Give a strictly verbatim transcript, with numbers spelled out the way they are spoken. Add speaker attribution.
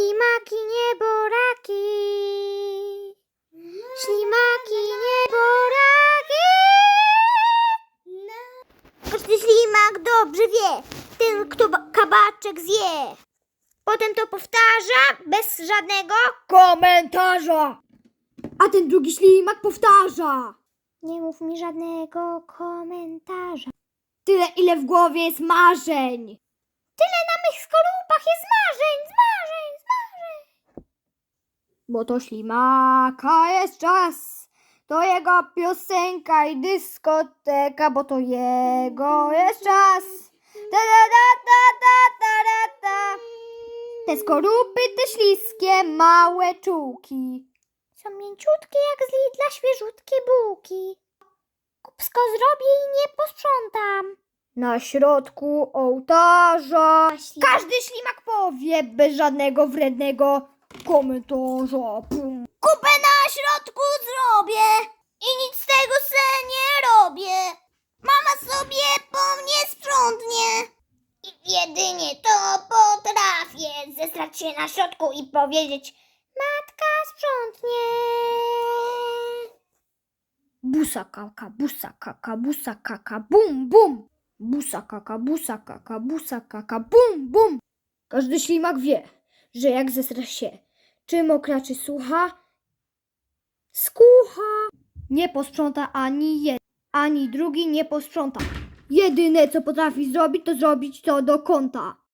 Speaker 1: Ślimaki, nieboraki. Ślimaki, nieboraki. Każdy ślimak dobrze wie, ten kto ba- kabaczek zje. Potem to powtarza bez żadnego
Speaker 2: Komentarza! A ten drugi ślimak powtarza.
Speaker 1: Nie mów mi żadnego komentarza.
Speaker 2: Tyle, ile w głowie jest marzeń.
Speaker 1: Tyle na mych skorupach jest marzeń, zmarzeń, zmarzeń.
Speaker 2: Bo to ślimaka jest czas. To jego piosenka i dyskoteka, bo to jego jest czas. Ta, ta, ta, ta, ta, ta, ta. Te skorupy, te śliskie, małe czułki.
Speaker 1: Są mięciutkie jak z Lidla świeżutkie bułki. Kupsko zrobię i nie posprzątam.
Speaker 2: Na środku ołtarza
Speaker 1: Śli-
Speaker 2: każdy ślimak powie bez żadnego wrednego komentarza. Pum.
Speaker 1: Kupę na środku zrobię i nic z tego se nie robię. Mama sobie po mnie sprzątnie. I jedynie to potrafię zesrać się na środku i powiedzieć: matka sprzątnie.
Speaker 2: Busa kaka, busa kaka, busa kaka, bum bum. Busa kaka, busa kaka, busa kaka, bum bum. Każdy ślimak wie, że jak zesra się, czy mokra, czy sucha, skucha. Nie posprząta ani jeden, ani drugi nie posprząta. Jedyne co potrafi zrobić, to zrobić to do kąta.